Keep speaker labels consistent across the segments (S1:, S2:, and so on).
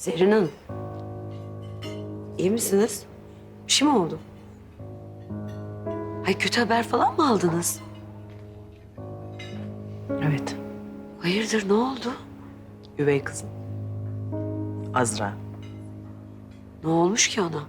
S1: Zerrin Hanım. İyi misiniz? Bir şey mi oldu? Ay kötü haber falan mı aldınız?
S2: Evet,
S1: Hayırdır ne oldu?
S2: üvey kızım. Azra.
S1: Ne olmuş ki ona?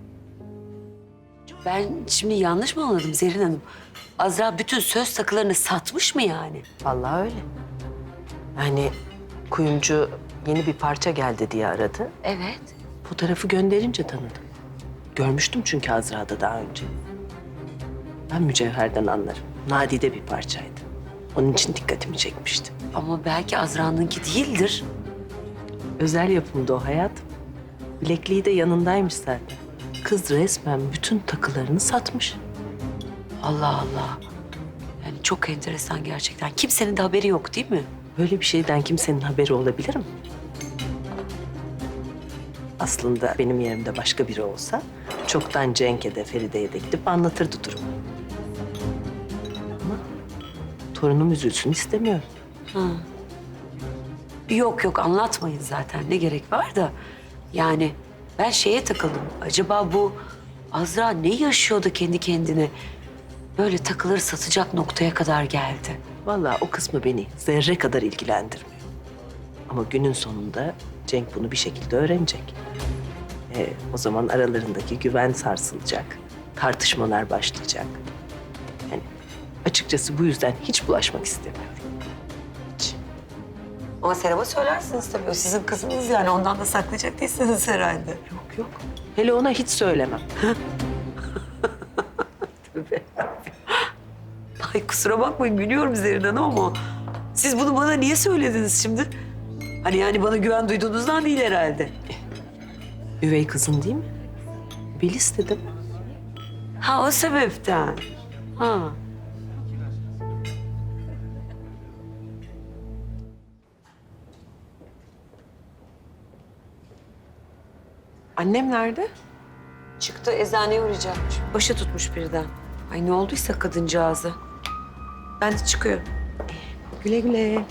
S1: Ben şimdi yanlış mı anladım Zerrin Hanım? Azra bütün söz takılarını satmış mı yani?
S2: Vallahi öyle. Yani kuyumcu yeni bir parça geldi diye aradı.
S1: Evet.
S2: Fotoğrafı gönderince tanıdım. Görmüştüm çünkü Azra'da daha önce. Ben mücevherden anlarım. Nadide bir parçaydı. Onun için dikkatimi çekmişti.
S1: Ama belki Azra'nınki değildir.
S2: Özel yapımdı o hayatım. Bilekliği de yanındaymış zaten. Kız resmen bütün takılarını satmış.
S1: Allah Allah. Yani çok enteresan gerçekten. Kimsenin de haberi yok değil mi?
S2: Böyle bir şeyden kimsenin haberi olabilir mi? Aslında benim yerimde başka biri olsa çoktan Cenk'e de Feride'ye de gidip anlatırdı durumu. Ama torunum üzülsün istemiyorum.
S1: Ha. Yok yok anlatmayın zaten. Ne gerek var da. Yani ben şeye takıldım. Acaba bu Azra ne yaşıyordu kendi kendine? Böyle takıları satacak noktaya kadar geldi.
S2: Vallahi o kısmı beni zerre kadar ilgilendirmiyor. Ama günün sonunda Cenk bunu bir şekilde öğrenecek. O zaman aralarındaki güven sarsılacak. Tartışmalar başlayacak. Yani açıkçası bu yüzden hiç bulaşmak istemiyorum. Hiç.
S1: Ama Serap'a söylersiniz tabii. O sizin kızınız yani. Ondan da saklayacak değilsiniz herhalde.
S2: Yok yok. Hele ona hiç söylemem.
S1: Tabii. Ay kusura bakmayın gülüyorum Zerrin Hanım ama siz bunu bana niye söylediniz şimdi? Hani yani bana güven duyduğunuzdan değil herhalde.
S2: Üvey kızın değil mi? Bil istedim.
S1: Ha o sebepten. Ha.
S2: Annem nerede?
S1: Çıktı eczaneye uğrayacakmış. Başı tutmuş birden. Ay ne olduysa kadıncağızı. Ben de çıkıyorum.
S2: Güle güle.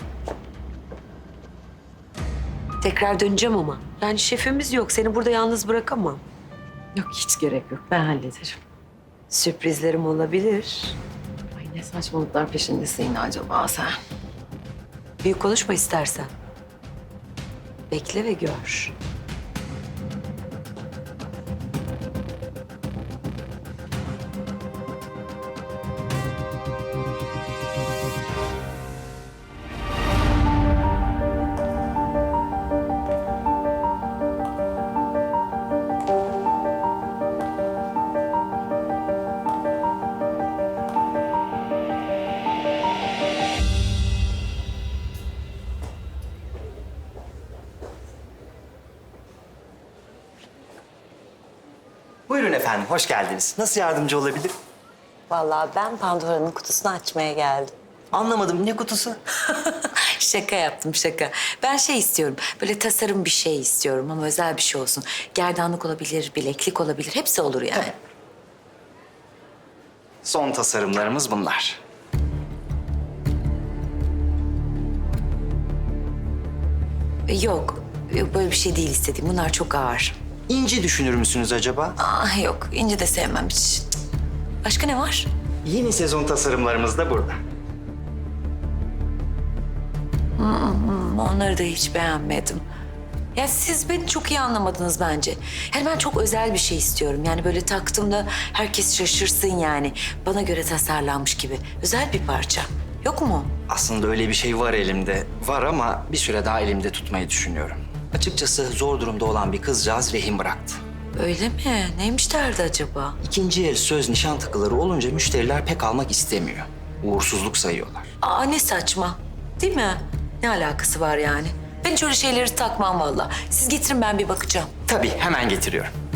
S1: Tekrar döneceğim ama. Yani şefimiz yok. Seni burada yalnız bırakamam.
S2: Yok hiç gerek yok. Ben hallederim.
S1: Sürprizlerim olabilir.
S2: Ay ne saçmalıklar peşindesin yine acaba sen?
S1: Büyük konuşma istersen. Bekle ve gör.
S3: Buyurun efendim, hoş geldiniz. Nasıl yardımcı olabilir?
S4: Vallahi ben Pandora'nın kutusunu açmaya geldim.
S3: Anlamadım, ne kutusu?
S4: Şaka yaptım şaka. Ben şey istiyorum, böyle tasarım bir şey istiyorum ama özel bir şey olsun. Gerdanlık olabilir, bileklik olabilir, hepsi olur yani.
S3: Son tasarımlarımız bunlar.
S4: Yok böyle bir şey değil istediğim. Bunlar çok ağır.
S3: İnci düşünür müsünüz acaba?
S4: Yok, ince de sevmem hiç. Cık. Başka ne var?
S3: Yeni sezon tasarımlarımız da burada.
S4: Onları da hiç beğenmedim. Ya siz beni çok iyi anlamadınız bence. Yani ben çok özel bir şey istiyorum. Yani böyle taktığımda herkes şaşırsın yani. Bana göre tasarlanmış gibi. Özel bir parça. Yok mu?
S3: Aslında öyle bir şey var elimde. Var ama bir süre daha elimde tutmayı düşünüyorum. Açıkçası zor durumda olan bir kızcağız rehin bıraktı.
S4: Öyle mi? Neymiş derdi acaba?
S3: İkinci el söz nişan takıları olunca müşteriler pek almak istemiyor. Uğursuzluk sayıyorlar.
S4: Ne saçma. Değil mi? Ne alakası var yani? Ben hiç öyle şeyleri takmam vallahi. Siz getirin ben bir bakacağım.
S3: Tabii, hemen getiriyorum.